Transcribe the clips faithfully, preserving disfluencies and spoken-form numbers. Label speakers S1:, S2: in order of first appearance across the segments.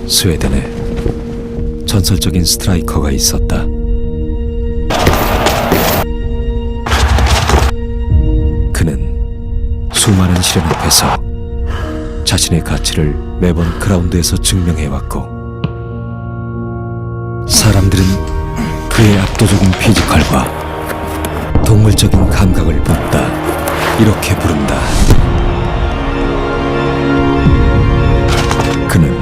S1: 스웨덴에 전설적인 스트라이커가 있었다. 그는 수많은 시련 앞에서 자신의 가치를 매번 그라운드에서 증명해왔고, 사람들은 그의 압도적인 피지컬과 동물적인 감각을 묻다 이렇게 부른다. 그는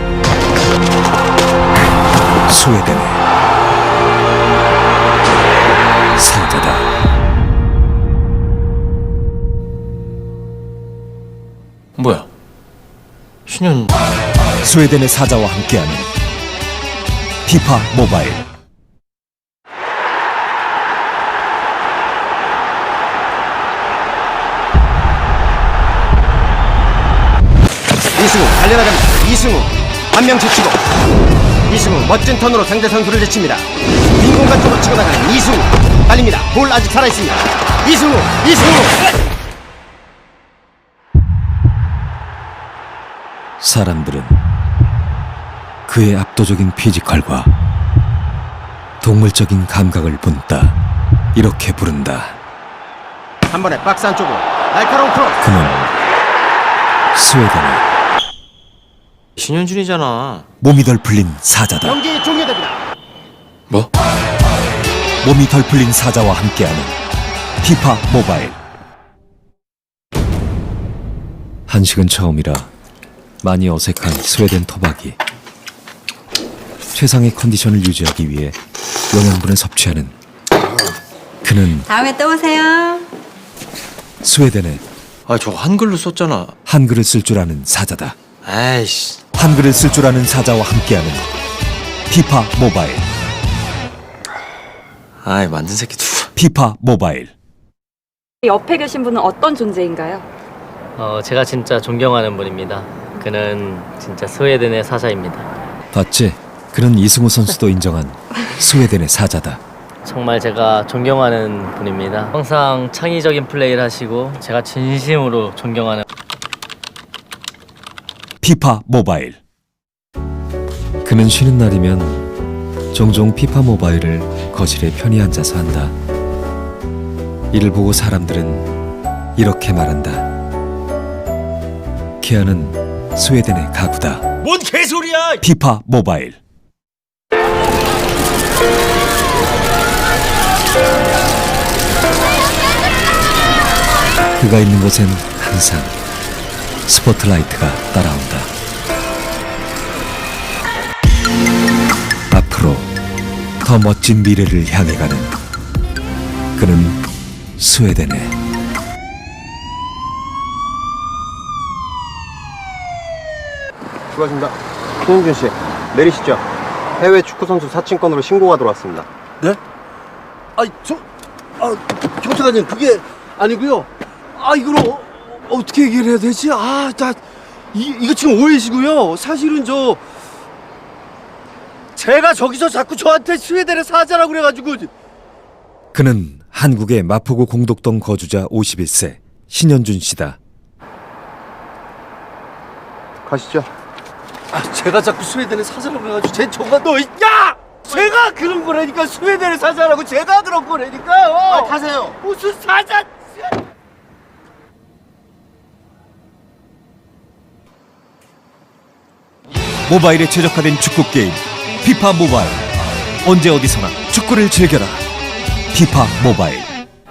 S1: 스웨덴의 사자다.
S2: 뭐야? 신현...
S1: 스웨덴의 사자와 함께하는 피파 모바일.
S3: 이승우 달려나갑니다. 이승우 한 명 제치고, 이승우 멋진 턴으로 상대 선수를 제칩니다. 빈 공간 쪽으로 치고 나가는 이승우 달립니다. 볼 아직 살아있습니다. 이승우 이승우
S1: 사람들은 그의 압도적인 피지컬과 동물적인 감각을 본다 이렇게 부른다.
S3: 한 번에 박스 안쪽으로 날카로운 크로스.
S1: 그는 스웨덴의
S2: 신현준이잖아.
S1: 몸이 덜 풀린 사자다.
S3: 경기 종료됩니다.
S2: 뭐?
S1: 몸이 덜 풀린 사자와 함께하는 피파 모바일. 한식은 처음이라 많이 어색한 스웨덴 토박이. 최상의 컨디션을 유지하기 위해 영양분을 섭취하는 그는
S4: 다음에 또 오세요.
S1: 스웨덴의
S2: 아, 저거 한글로 썼잖아.
S1: 한글을 쓸 줄 아는 사자다.
S2: 아이씨.
S1: 한글을 쓸 줄 아는 사자와 함께하는 피파 모바일.
S2: 아이, 만든 새끼 누구?
S1: 피파 모바일.
S5: 옆에 계신 분은 어떤 존재인가요?
S6: 어, 제가 진짜 존경하는 분입니다. 그는 진짜 스웨덴의 사자입니다.
S1: 봤지? 그는 이승우 선수도 인정한 스웨덴의 사자다.
S6: 정말 제가 존경하는 분입니다. 항상 창의적인 플레이를 하시고 제가 진심으로 존경하는
S1: 피파 모바일. 그는 쉬는 날이면 종종 피파 모바일을 거실에 편히 앉아서 한다. 이를 보고 사람들은 이렇게 말한다. 키아는 스웨덴의 가구다.
S2: 뭔 개소리야!
S1: 피파 모바일. 그가 있는 곳엔 항상 스포트라이트가 따라온다. 앞으로 더 멋진 미래를 향해 가는 그는 스웨덴의
S3: 수고하십니다. 신현준 씨 내리시죠. 해외 축구 선수 사칭권으로 신고가 들어왔습니다.
S7: 네? 아니 저... 아 경찰관님 그게 아니고요. 아 이걸 어, 어떻게 얘기를 해야 되지? 아 나 이, 이거 지금 오해시고요. 사실은 저 제가 저기서 자꾸 저한테 스웨덴의 사자라고 그래가지고.
S1: 그는 한국의 마포구 공덕동 거주자 오십일 세 신현준 씨다.
S3: 가시죠.
S7: 아 제가 자꾸 스웨덴의 사자라고 그래가지고 쟤 저가 너 야! 제가 그런 거라니까. 스웨덴의 사자라고 제가 그런 거라니까.
S3: 아, 가세요.
S7: 무슨 사자?
S1: 모바일에 최적화된 축구 게임 피파 모바일. 언제 어디서나 축구를 즐겨라. 피파 모바일.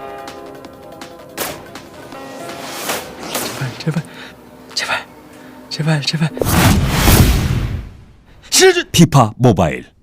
S2: 제발, 제발, 제발, 제발.
S7: 신현준!
S1: 피파 모바일.